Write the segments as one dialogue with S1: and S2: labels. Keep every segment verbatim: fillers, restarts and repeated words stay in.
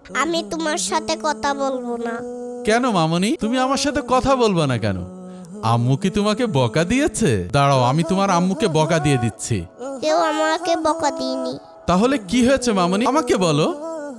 S1: আমি তোমার সাথে কথা বলবো না।
S2: কেন মামনি, তুমি আমার সাথে কথা বলবে না কেন? আম্মু কি তোমাকে বকা দিয়েছে? দাঁড়াও, আমি তোমার আম্মুকে বকা দিয়ে দিচ্ছি।
S1: কেউ আমাকে বকা দিইনি।
S2: তাহলে কি হয়েছে মামনি, আমাকে বলো।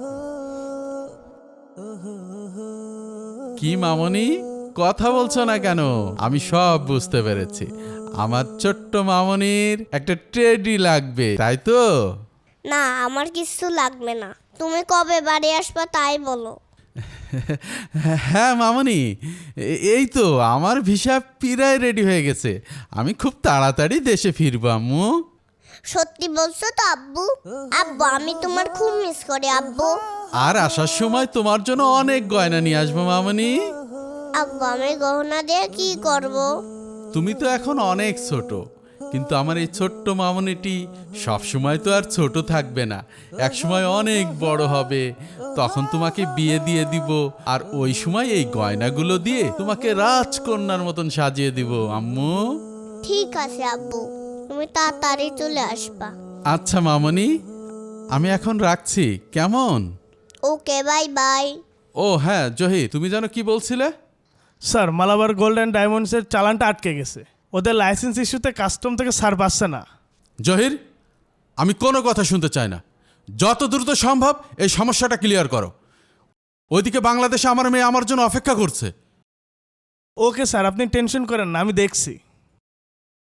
S2: কি মামনি, কথা বলছো না কেন? আমি সব বুঝতে পেরেছি। আমার ছোট্ট মামনির একটা টেডি লাগবে, তাই তো?
S1: না, আমার কিছু লাগবে না। তুমি কবে বাড়ি আসবা তাই বলো।
S2: হ্যাঁ মামনি, এ- এই তো আমার ভিসা পিরায় রেডি হয়ে গেছে। আমি খুব তাড়াতাড়ি দেশে ফিরবো আম্মু।
S1: সত্যি বলছো তো আব্বু? আব্বু, আমি তোমার খুব মিস করি আব্বু।
S2: আর আসার সময় তোমার জন্য অনেক গয়না নিয়ে আসবো মামনি।
S1: আব্বু, আমি গহনা দিয়ে কি করব?
S2: তুমি তো এখন অনেক ছোট, কিন্তু আমার এই ছোট্ট মামনিটি সব সময় তো আর ছোট থাকবে না, এক সময় অনেক বড় হবে। তখন তোমাকে বিয়ে দিয়ে দিব, আর ওই সময় এই গয়নাগুলো দিয়ে তোমাকে রাজকন্যার মতন সাজিয়ে দিব আম্মু।
S1: ঠিক আছে আব্বু, তুমি তাড়াতাড়ি চলে আসবা।
S2: আচ্ছা মামনি, আমি এখন রাখছি, কেমন?
S1: ওকে, বাই বাই।
S2: ও হ্যাঁ জহির, তুমি যেন কি বলছিলে?
S3: স্যার, মালাবার গোল্ড অ্যান্ড ডায়মন্ডসের চালানটা আটকে গেছে। ওদের লাইসেন্স ইস্যুতে কাস্টম থেকে সার পাচ্ছে না।
S2: জহির, আমি কোনো কথা শুনতে চাই না। যত দ্রুত সম্ভব এই সমস্যাটা ক্লিয়ার করো। ওইদিকে বাংলাদেশে আমার মেয়ে আমার জন্য অপেক্ষা করছে।
S3: ওকে স্যার, আপনি টেনশন করেন না, আমি দেখছি।